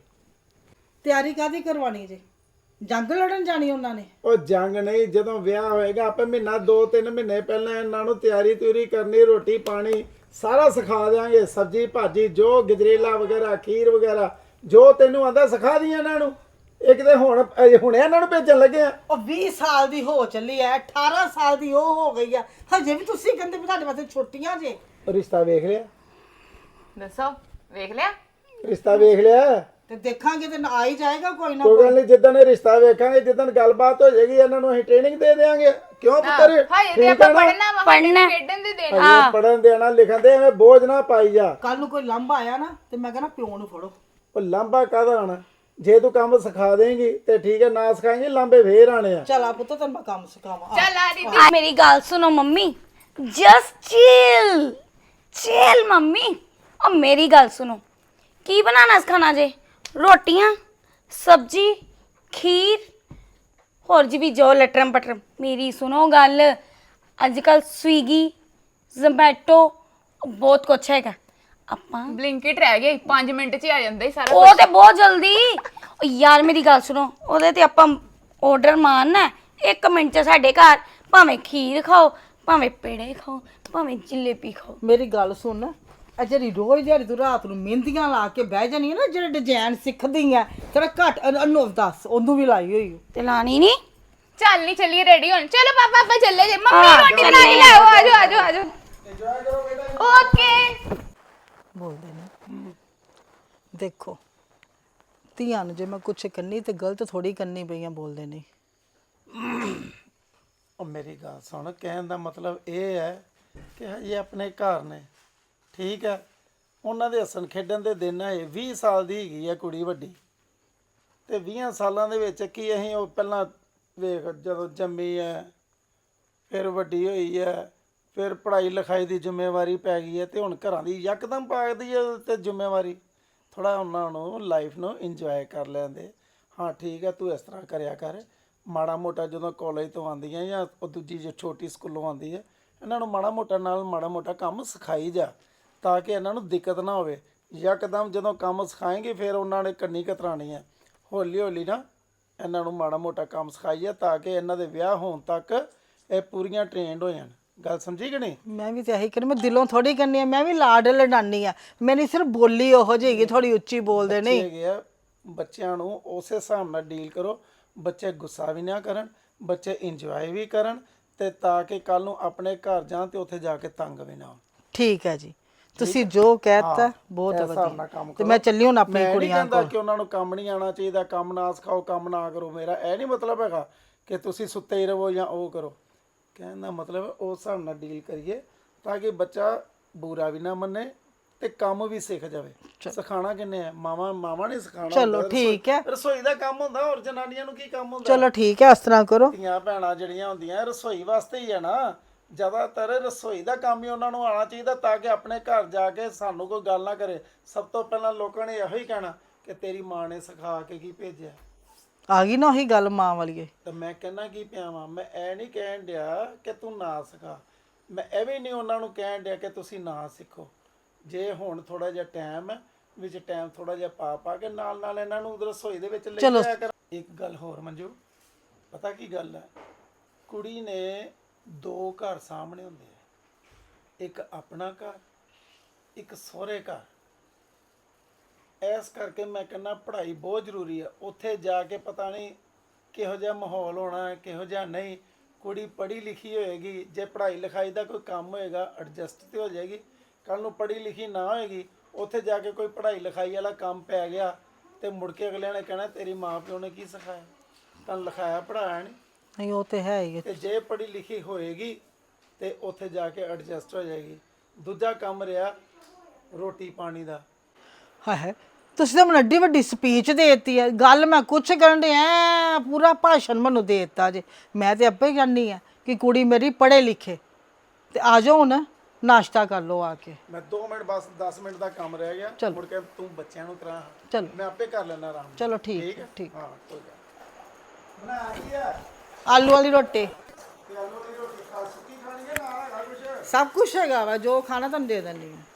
S2: ਤਿਆਰੀ ਕਾਦੀ ਕਰਵਾਣੀ ਜੇ ਜੰਗ ਲੜਨ ਜਾਣੀ ਉਹਨਾਂ ਨੇ?
S3: ਉਹ ਜੰਗ ਨਹੀਂ ਜਦੋਂ ਵਿਆਹ ਹੋਏਗਾ ਆਪੇ ਮਹੀਨਾ ਦੋ ਤਿੰਨ ਮਹੀਨੇ ਪਹਿਲਾਂ ਇਹਨਾਂ ਨੂੰ ਤਿਆਰੀ ਤਿਉਰੀ ਕਰਨੀ ਰੋਟੀ ਪਾਣੀ ਸਾਰਾ ਸਿਖਾ ਦਿਆਂਗੇ। ਸਬਜੀ ਭਾਜੀ ਜੋ ਗਜਰੇਲਾ ਵਗੈਰਾ ਖੀਰ ਵਗੈਰਾ ਜੋ ਤੈਨੂੰ ਆਂਦਾ ਸਿਖਾ ਦੀਆਂ ਇਹਨਾਂ ਨੂੰ। ਇੱਕ ਤੇ ਹੁਣ ਅਜੇ ਹੁਣੇ ਇਹਨਾਂ ਨੂੰ ਭੇਜਣ ਲੱਗੇ ਆ।
S2: ਉਹ ਵੀਹ ਸਾਲ ਦੀ ਹੋ ਚੱਲੀ ਐ ਅਠਾਰਾਂ ਸਾਲ ਦੀ ਉਹ ਹੋ ਗਈ ਆ ਹਜੇ ਵੀ ਤੁਸੀਂ ਕਹਿੰਦੇ ਵੀ ਤੁਹਾਡੇ ਵਾਸਤੇ ਛੋਟੀਆਂ ਜੇ।
S3: ਰਿਸ਼ਤਾ ਵੇਖ ਲਿਆ?
S4: ਦੱਸੋ ਵੇਖ ਲਿਆ
S3: ਰਿਸ਼ਤਾ ਵੇਖ ਲਿਆ?
S2: ਤੇ ਦੇਖਾਂਗੇ ਤੇ ਆ ਹੀ ਜਾਏਗਾ ਕੋਈ ਨਾ
S3: ਕੋਈ
S2: ਕੋਈ।
S3: ਗੱਲ ਨਹੀਂ ਜਿੱਦਣ ਇਹ ਰਿਸ਼ਤਾ ਵੇਖਾਂਗੇ ਜਿੱਦਣ ਗੱਲਬਾਤ ਹੋ ਜਾਏਗੀ ਇਹਨਾਂ ਨੂੰ ਅਸੀਂ ਟ੍ਰੇਨਿੰਗ ਦੇ ਦੇਵਾਂਗੇ। ਕਿਉਂ ਪੁੱਤਰ
S4: ਹਾਏ ਤੇ ਆਪਾਂ ਪੜਨਾ ਵਾ ਪੜਨਾ ਖੇਡਣ ਦੇ ਦੇਣ
S3: ਹਾਂ ਪੜਨ ਦੇਣਾ ਲਿਖਣ ਦੇ ਐਵੇਂ ਬੋਝ ਨਾ ਪਾਈ ਜਾ।
S2: ਕੱਲ ਨੂੰ ਕੋਈ ਲਾਂਭਾ ਆਇਆ ਨਾ ਤੇ ਮੈਂ ਕਹਿੰਦਾ ਪਿਓ ਨੂੰ ਫੜੋ।
S3: ਉਹ ਲਾਂਭਾ ਕਾਹਦਾ ਆਣਾ ਜੇ ਤੂੰ ਕੰਮ ਸਿਖਾ ਦੇਂਗੀ ਤੇ ਠੀਕ ਹੈ ਨਾ ਸਿਖਾਏਂਗੀ ਲਾਂਭੇ ਫੇਰ ਆਣੇ ਆ।
S2: ਚੱਲ ਆ ਪੁੱਤ ਤੈਨੂੰ ਮੈਂ ਕੰਮ ਸਿਖਾਵਾਂ ਆ।
S4: ਚੱਲ ਆ ਦੀਦੀ
S6: ਮੇਰੀ ਗੱਲ ਸੁਣੋ mummy just chill chill mummy ਉਹ ਮੇਰੀ ਗੱਲ ਸੁਣੋ ਕੀ ਬਣਾਣਾ ਇਸ ਖਾਣਾ ਜੇ ਰੋਟੀਆਂ ਸਬਜੀ ਖੀਰ ਹੋਰ ਜੀ ਵੀ ਜੋ ਲਟਰਮ ਪਟਰਮ ਮੇਰੀ ਸੁਣੋ ਗੱਲ ਅੱਜ ਕੱਲ ਸਵੀਗੀ ਜ਼ੋਮੈਟੋ ਬਹੁਤ ਕੁਛ ਹੈਗਾ
S9: ਆਪਾਂ
S4: ਬਲਿੰਕਿਟ ਰਹਿ ਗਈ ਪੰਜ ਮਿੰਟ 'ਚ ਹੀ ਆ ਜਾਂਦਾ ਹੀ ਸਾਰਾ
S9: ਉਹ ਤੇ ਬਹੁਤ ਜਲਦੀ ਓ ਯਾਰ ਮੇਰੀ ਗੱਲ ਸੁਣੋ ਉਹਦੇ ਤੇ ਆਪਾਂ ਆਰਡਰ ਮਾਰਨਾ ਇੱਕ ਮਿੰਟ ਚ ਸਾਡੇ ਘਰ ਭਾਵੇਂ ਖੀਰ ਖਾਓ ਭਾਵੇਂ ਪੇੜੇ ਖਾਓ ਭਾਵੇਂ ਜਲੇਬੀ ਖਾਓ।
S2: ਮੇਰੀ ਗੱਲ ਸੁਣ ਇਹ ਜਿਹੜੀ ਰੋਜ਼ ਦਿਹਾੜੀ ਤੂੰ ਰਾਤ ਨੂੰ ਮਹਿੰਦੀਆਂ ਲਾ ਕੇ ਬਹਿ ਜਾਨੀ ਹੈ ਨਾ ਜਿਹੜੇ ਡਿਜ਼ਾਈਨ ਸਿੱਖਦੀ ਆ ਤੇਰਾ ਘੱਟ ਅਨੁਭ ਦੱਸ ਉਹਨੂੰ ਵੀ ਲਾਈ ਹੋਈ ਓ।
S9: ਤੇ ਲਾਣੀ ਨਹੀਂ
S4: ਚੱਲ ਨਹੀਂ ਚੱਲੀਏ ਰੈਡੀ ਹੋਣ ਚਲੋ ਪਾਪਾ ਆਪਾਂ ਚੱਲੇ ਜੇ ਮੰਮੀ ਰੋਟੀ ਬਣਾ ਕੇ ਲਿਆਓ ਆਜੋ ਆਜੋ ਆਜੋ ਓਕੇ
S2: ਬੋਲਦੇ ਨੇ ਦੇਖੋ ਧੀਆਂ ਨੂੰ ਜੇ ਮੈਂ ਕੁਛ ਕਰਨੀ ਤੇ ਗਲਤ ਥੋੜੀ ਕਰਨੀ ਪਈਆਂ ਬੋਲਦੇ ਨੇ।
S3: ਉਹ ਮੇਰੀ ਗੱਲ ਸੁਣ ਕਹਿਣ ਦਾ ਮਤਲਬ ਇਹ ਹੈ ਕਿ ਹਜੇ ਆਪਣੇ ਘਰ ਨੇ ਠੀਕ ਹੈ ਉਹਨਾਂ ਦੇ ਹੱਸਣ ਖੇਡਣ ਦੇ ਦਿਨ ਹੈ ਵੀਹ ਸਾਲ ਦੀ ਹੈਗੀ ਹੈ ਕੁੜੀ ਵੱਡੀ ਤੇ ਵੀਹ ਸਾਲਾਂ ਦੇ ਵਿੱਚ ਕੀ ਅਸੀਂ ਉਹ ਪਹਿਲਾਂ ਵੇਖ ਜਦੋਂ ਜੰਮੀ ਹੈ ਫਿਰ ਵੱਡੀ ਹੋਈ ਹੈ ਫਿਰ ਪੜ੍ਹਾਈ ਲਿਖਾਈ ਦੀ ਜ਼ਿੰਮੇਵਾਰੀ ਪੈ ਗਈ ਹੈ ਤੇ ਹੁਣ ਘਰਾਂ ਦੀ ਯਕਦਮ ਪਾ ਦੀ ਹੈ ਤੇ ਜ਼ਿੰਮੇਵਾਰੀ ਥੋੜਾ ਉਹਨਾਂ ਨੂੰ ਲਾਈਫ ਨੂੰ ਇੰਜੋਏ ਕਰ ਲੈਂਦੇ। ਹਾਂ ਠੀਕ ਹੈ ਤੂੰ ਇਸ ਤਰ੍ਹਾਂ ਕਰਿਆ ਕਰ ਮਾੜਾ ਮੋਟਾ ਜਦੋਂ ਕਾਲਜ ਤੋਂ ਆਉਂਦੀਆਂ ਜਾਂ ਉਹ ਦੂਜੀ ਜੋ ਛੋਟੀ ਸਕੂਲੋਂ ਆਉਂਦੀ ਹੈ ਇਹਨਾਂ ਨੂੰ ਮਾੜਾ ਮੋਟਾ ਨਾਲ ਮਾੜਾ ਮੋਟਾ ਕੰਮ ਸਿਖਾਈ ਜਾ ਤਾਂ ਕਿ ਇਹਨਾਂ ਨੂੰ ਦਿੱਕਤ ਨਾ ਹੋਵੇ। ਯਕਦਮ ਜਦੋਂ ਕੰਮ ਸਿਖਾਏਂਗੇ ਫਿਰ ਉਹਨਾਂ ਨੇ ਕੰਨੀ ਕਤਰਾਣੀ ਹੈ ਹੌਲੀ ਹੌਲੀ ਨਾ ਇਹਨਾਂ ਨੂੰ ਮਾੜਾ ਮੋਟਾ ਕੰਮ ਸਿਖਾਈਏ ਤਾਂ ਕਿ ਇਹਨਾਂ ਦੇ ਵਿਆਹ ਹੋਣ ਤੱਕ ਇਹ ਪੂਰੀਆਂ ਟ੍ਰੇਨਡ ਹੋ ਜਾਣ। ਗੱਲ ਸਮਝੀ ਕਿ ਨਹੀਂ?
S2: ਮੈਂ ਵੀ ਤੇ ਇਹੀ ਕਰ ਮੈਂ ਦਿਲੋਂ ਥੋੜੀ ਕਰਨੀ ਆ ਮੈਂ ਵੀ ਲਾਡ ਲਡਾਨੀ ਆ ਮੇਰੀ ਸਿਰਫ ਬੋਲੀ ਉਹੋ ਜਿਹੀ ਹੈਗੀ ਥੋੜੀ ਉੱਚੀ ਬੋਲਦੇ ਨਹੀਂ
S3: ਹੈਗੇ ਆ ਬੱਚਿਆਂ ਨੂੰ ਉਸੇ ਹਿਸਾਬ ਨਾਲ ਡੀਲ ਕਰੋ ਬੱਚੇ ਗੁੱਸਾ ਵੀ ਨਾ ਕਰਨ ਬੱਚੇ ਇੰਜੋਏ ਵੀ ਕਰਨ ਤੇ ਤਾਂ ਕਿ ਕੱਲ ਨੂੰ ਆਪਣੇ ਘਰ ਜਾਣ ਤੇ ਉੱਥੇ ਜਾ ਕੇ ਤੰਗ ਵੀ ਨਾ ਹੋਣ।
S2: ਠੀਕ ਹੈ ਜੀ ਤੁਸੀਂ ਜੋ ਕਹਿਤਾ ਬਹੁਤ ਵਧੀਆ ਤੇ ਮੈਂ ਚੱਲੀ ਹੁਣ ਆਪਣੀ ਕੁੜੀਆਂ ਕੋਲ
S3: ਕਿ ਉਹਨਾਂ ਨੂੰ ਕੰਮ ਨਹੀਂ ਆਉਣਾ ਚਾਹੀਦਾ ਕੰਮ ਨਾ ਸਿਖਾਓ ਕੰਮ ਨਾ ਕਰੋ ਮੇਰਾ ਇਹ ਨਹੀਂ ਮਤਲਬ ਹੈਗਾ ਕਿ ਤੁਸੀਂ ਸੁੱਤੇ ਹੀ ਰਹੋ ਜਾਂ ਉਹ ਕਰੋ। ਕਹਿਣ ਦਾ ਮਤਲਬ ਉਸ ਹਿਸਾਬ ਨਾਲ ਡੀਲ ਕਰੀਏ ਤਾਂ ਕਿ ਬੱਚਾ ਬੁਰਾ ਵੀ ਨਾ ਮੰਨੇ ਤੇ ਕੰਮ ਵੀ ਸਿੱਖ ਜਾਵੇ। ਸਿਖਾਣਾ ਕਿੰਨੇ ਹੈ ਮਾਵਾਂ ਮਾਵਾਂ ਨੇ ਸਿਖਾਣਾ
S2: ਚਲੋ ਠੀਕ ਹੈ
S3: ਰਸੋਈ ਦਾ ਕੰਮ ਹੁੰਦਾ ਹੋਰ ਜਨਾਨੀਆਂ ਨੂੰ ਕੀ ਕੰਮ ਹੁੰਦਾ?
S2: ਚਲੋ ਠੀਕ ਹੈ ਇਸ ਤਰ੍ਹਾਂ ਕਰੋ
S3: ਧੀਆਂ ਭੈਣਾਂ ਜਿਹੜੀਆਂ ਹੁੰਦੀਆਂ ਰਸੋਈ ਵਾਸਤੇ ਹੀ ਆ ਨਾ ਜ਼ਿਆਦਾਤਰ ਰਸੋਈ ਦਾ ਕੰਮ ਹੀ ਉਹਨਾਂ ਨੂੰ ਆਉਣਾ ਚਾਹੀਦਾ ਤਾਂ ਕਿ ਆਪਣੇ ਘਰ ਜਾ ਕੇ ਸਾਨੂੰ ਕੋਈ ਗੱਲ ਨਾ ਕਰੇ। ਸਭ ਤੋਂ ਪਹਿਲਾਂ ਲੋਕਾਂ ਨੇ ਇਹੋ ਹੀ ਕਹਿਣਾ ਕਿ ਤੇਰੀ ਮਾਂ ਨੇ ਸਿਖਾ ਕੇ ਕੀ ਭੇਜਿਆ।
S2: ਆ ਗਈ ਨਾ ਉਹੀ ਗੱਲ ਮਾਂ ਵਾਲੀ
S3: ਤੇ ਮੈਂ ਕਹਿਣਾ ਕੀ ਪਿਆ ਵਾਂ ਮੈਂ ਇਹ ਨਹੀਂ ਕਹਿਣ ਡਿਆ ਕਿ ਤੂੰ ਨਾ ਸਿਖਾ ਮੈਂ ਇਹ ਵੀ ਨਹੀਂ ਉਹਨਾਂ ਨੂੰ ਕਹਿਣ ਡਿਆ ਕਿ ਤੁਸੀਂ ਨਾ ਸਿੱਖੋ। ਜੇ ਹੁਣ ਥੋੜਾ ਜਿਹਾ ਟਾਈਮ ਹੈ ਵਿੱਚ ਟਾਈਮ ਥੋੜਾ ਜਿਹਾ ਪਾ ਪਾ ਕੇ ਨਾਲ ਨਾਲ ਇਹਨਾਂ ਨੂੰ ਰਸੋਈ ਦੇ ਵਿੱਚ ਲੈ ਜਾਇਆ ਕਰ। ਇੱਕ ਗੱਲ ਹੋਰ ਮੰਜੂ ਪਤਾ ਕੀ ਗੱਲ ਹੈ ਕੁੜੀ ਨੇ ਦੋ ਘਰ ਸਾਹਮਣੇ ਹੁੰਦੇ ਆ ਇੱਕ ਆਪਣਾ ਘਰ ਇੱਕ ਸਹੁਰੇ ਘਰ। ਇਸ ਕਰਕੇ ਮੈਂ ਕਹਿੰਦਾ ਪੜ੍ਹਾਈ ਬਹੁਤ ਜ਼ਰੂਰੀ ਹੈ। ਉੱਥੇ ਜਾ ਕੇ ਪਤਾ ਨਹੀਂ ਕਿਹੋ ਜਿਹਾ ਮਾਹੌਲ ਹੋਣਾ ਹੈ ਕਿਹੋ ਜਿਹਾ ਨਹੀਂ। ਕੁੜੀ ਪੜ੍ਹੀ ਲਿਖੀ ਹੋਏਗੀ ਜੇ ਪੜ੍ਹਾਈ ਲਿਖਾਈ ਦਾ ਕੋਈ ਕੰਮ ਹੋਏਗਾ ਐਡਜਸਟ ਤੇ ਹੋ ਜਾਏਗੀ। ਕੱਲ ਨੂੰ ਪੜ੍ਹੀ ਲਿਖੀ ਨਾ ਹੋਏਗੀ ਉੱਥੇ ਜਾ ਕੇ ਕੋਈ ਪੜ੍ਹਾਈ ਲਿਖਾਈ ਵਾਲਾ ਕੰਮ ਪੈ ਗਿਆ ਤੇ ਮੁੜ ਕੇ ਅਗਲਿਆਂ ਨੇ ਕਹਿਣਾ ਤੇਰੀ ਮਾਂ ਪਿਓ ਨੇ ਕੀ ਸਿਖਾਇਆ ਤਾਂ ਲਿਖਾਇਆ ਪੜ੍ਹਾਇਆ ਨਹੀਂ।
S2: ਨਹੀਂ ਉਹ ਤੇ ਹੈ ਹੀ
S3: ਤੇ ਜੇ ਪੜ੍ਹੀ ਲਿਖੀ ਹੋਏਗੀ ਤੇ ਉੱਥੇ ਜਾ ਕੇ ਐਡਜਸਟ ਹੋ ਜਾਏਗੀ। ਦੂਜਾ ਕੰਮ ਰਿਹਾ ਰੋਟੀ ਪਾਣੀ ਦਾ।
S2: ਹੈ ਤੁਸੀਂ ਤਾਂ ਮੈਨੂੰ ਐਡੀ ਵੱਡੀ ਸਪੀਚ ਦੇਤੀ ਹੈ ਗੱਲ ਮੈਂ ਕੁਛ ਕਰਨ ਦੇ ਐ ਪੂਰਾ ਭਾਸ਼ਣ ਮੈਨੂੰ ਦੇ ਦਿੱਤਾ ਜੇ ਮੈਂ ਤੇ ਆਪੇ ਜਾਣੀ ਆ ਕਿ ਕੁੜੀ ਮੇਰੀ ਪੜ੍ਹੇ ਲਿਖੇ ਤੇ ਆ ਜਾਓ ਹੁਣ ਨਾਸ਼ਤਾ ਕਰ ਲਓ ਆ ਕੇ।
S3: ਮੈਂ ਦੋ ਮਿੰਟ ਬਸ ਦਸ ਮਿੰਟ ਦਾ ਕੰਮ ਰਹਿ ਗਿਆ ਮੁੜ ਕੇ ਤੂੰ ਬੱਚਿਆਂ ਨੂੰ ਕਰਾ
S2: ਚਲੋ
S3: ਮੈਂ ਆਪੇ ਕਰ ਲੈਣਾ ਆਰਾਮ।
S2: ਚਲੋ ਠੀਕ ਹੈ ਠੀਕ
S3: ਹਾਂ ਕੋਈ ਗੱਲ ਬਣਾ ਕੀ ਆ
S2: ਆਲੂ ਵਾਲੀ ਰੋਟੀ
S3: ਤੇ ਆਲੂ ਦੀ ਰੋਟੀ ਖਾ ਸੁੱਕੀ ਖਾਣੀ ਹੈ ਨਾਲ ਹੈਗਾ ਕੁਛ
S2: ਸਭ ਕੁਝ ਹੈਗਾ ਵਾ ਜੋ ਖਾਣਾ ਤੁਹਾਨੂੰ ਦੇ ਦਿੰਦੀ ਹਾਂ।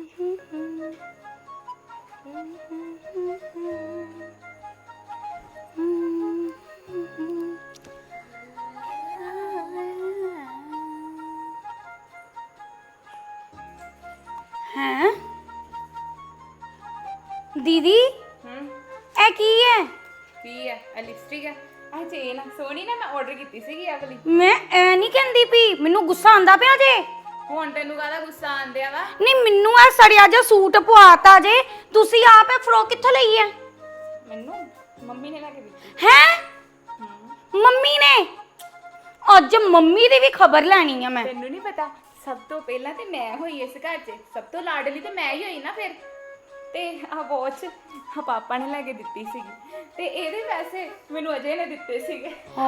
S9: ਹੈ ਦੀਦੀ
S4: ਹੂੰ
S9: ਇਹ ਕੀ ਹੈ?
S4: ਕੀ ਹੈ ਇਹ ਲਿਪਸਟਿਕ ਹੈ ਆ ਚੇਨ ਸੋਹਣੀ ਨਾ ਮੈਂ ਆਰਡਰ ਕੀਤੀ ਸੀਗੀ ਆ ਵਾਲੀ।
S9: ਮੈਂ ਐ ਨਹੀਂ ਕਹਿੰਦੀ ਪਈ ਮੈਨੂੰ ਗੁੱਸਾ ਆਂਦਾ ਪਿਆ ਜੇ।
S4: ਹੁਣ ਤੈਨੂੰ ਕਾਹਦਾ ਗੁੱਸਾ ਆਂਦਿਆ ਵਾ?
S9: ਨਹੀਂ ਮੈਨੂੰ ਇਹ ਸੜਿਆ ਜਿਹਾ ਸੂਟ ਪਵਾਤਾ ਜੇ ਤੁਸੀਂ ਆਪ ਇਹ ਫਰੋਕ ਕਿੱਥੋਂ ਲਈ ਹੈ?
S4: ਮੈਨੂੰ ਮੰਮੀ ਨੇ ਲੈ ਕੇ ਦਿੱਤੀ।
S9: ਹੈ ਮੰਮੀ ਨੇ? ਅੱਜ ਮੰਮੀ ਦੀ ਵੀ ਖਬਰ ਲੈਣੀ ਆ ਮੈਂ।
S4: ਤੈਨੂੰ ਨਹੀਂ ਪਤਾ ਸਭ ਤੋਂ ਪਹਿਲਾਂ ਤੇ ਮੈਂ ਹੋਈ ਇਸ ਘਰ 'ਚ ਸਭ ਤੋਂ ਲਾਡਲੀ ਤੇ ਮੈਂ ਹੀ ਹੋਈ ਨਾ ਫਿਰ। ਤੇ ਆ ਵਾਚ ਆ ਪਾਪਾ ਨੇ ਲੈ ਕੇ ਦਿੱਤੀ ਸੀਗੀ ਤੇ ਇਹਦੇ ਪੈਸੇ ਮੈਨੂੰ ਅਜੇ ਨੇ ਦਿੱਤੇ ਸੀਗੇ।
S9: ਓ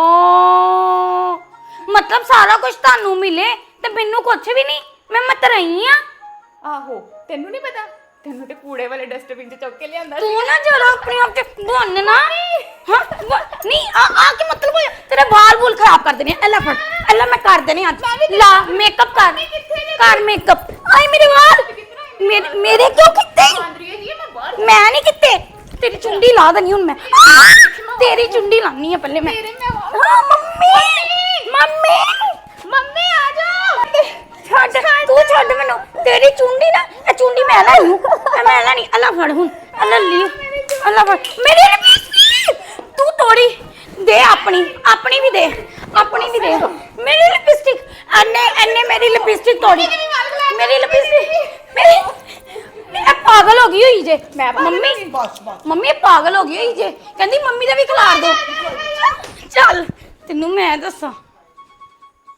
S9: ਮਤਲਬ ਸਾਰਾ ਕੁਝ ਤੁਹਾਨੂੰ ਮਿਲੇ ਤੇ ਮੈਨੂੰ ਕੁਝ ਵੀ ਨਹੀਂ ਮੈਂ ਮਤਰਈ ਆ।
S4: ਆਹੋ ਤੈਨੂੰ ਨਹੀਂ ਪਤਾ ਤੈਨੂੰ ਤੇ ਕੂੜੇ ਵਾਲੇ ਡਸਟਬਿਨ 'ਚ ਚੁੱਕ ਕੇ ਲਿਆਂਦਾ
S9: ਤੂੰ ਨਾ ਜਰਾ ਆਪਣੇ ਆਪ ਤੇ ਬਣ ਨਾ ਹਾਂ ਨਹੀਂ ਆ ਆ ਕੀ ਮਤਲਬ ਹੋਇਆ ਤੇਰੇ ਵਾਲ ਵੂਲ ਖਰਾਬ ਕਰ ਦੇਣੇ। ਐਲਾ ਫੜ ਐਲਾ ਮੈਂ ਕਰ ਦੇਣੇ ਅੱਜ ਲਾ ਮੇਕਅਪ ਕਰ ਕਰ ਮੇਕਅਪ। ਆਈ ਮੇਰੇ ਵਾਲ ਮੇਰੇ ਮੇਰੇ ਕਿਉਂ ਕੀਤੇ
S4: ਆਂਦਰੀਏ ਜੀ ਮੈਂ ਬਾਹਰ
S9: ਮੈਂ ਨਹੀਂ ਕੀਤੇ ਤੇਰੀ ਚੁੰਡੀ ਲਾ ਦਨੀ ਹੁਣ ਮੈਂ ਤੇਰੀ ਚੁੰਡੀ ਲਾਨੀ ਆ ਪਹਿਲੇ ਮੈਂ ਹਾਂ ਮੰਮੀ ਮੰਮੀ
S4: ਮੰਮੀ ਆ ਜਾਓ
S9: ਛੱਡ ਤੂੰ ਛੱਡ ਮੈਨੂੰ ਤੇਰੀ ਚੁੰਡੀ ਨਾ ਇਹ ਚੁੰਡੀ ਮੈਂ ਲੈਣੀ ਹੂੰ ਇਹ ਮੈਂ ਲੈਣੀ ਅੱਲਾ ਫੜ ਹੁਣ ਅੱਲਾ ਲਈ ਅੱਲਾ ਫੜ ਮੇਰੀ ਲਿਪਸਟਿਕ ਤੂੰ ਤੋੜੀ ਦੇ ਆਪਣੀ ਆਪਣੀ ਵੀ ਦੇ ਆਪਣੀ ਵੀ ਦੇ ਮੇਰੀ ਲਿਪਸਟਿਕ ਐਨੇ ਐਨੇ ਮੇਰੀ ਲਿਪਸਟਿਕ ਤੋੜੀ ਮੇਰੀ ਲਿਪਸਟਿਕ ਮੇਰੀ ਇਹ ਪਾਗਲ ਹੋ ਗਈ ਹੋਈ ਜੇ ਮੈਂ ਮੰਮੀ ਮੰਮੀ ਇਹ ਪਾਗਲ ਹੋ ਗਈ ਹੋਈ ਜੇ ਕਹਿੰਦੀ ਮੰਮੀ ਦਾ ਵੀ ਖਿਲਾਰ ਦੋ ਚੱਲ ਤੈਨੂੰ ਮੈਂ ਦੱਸਾਂ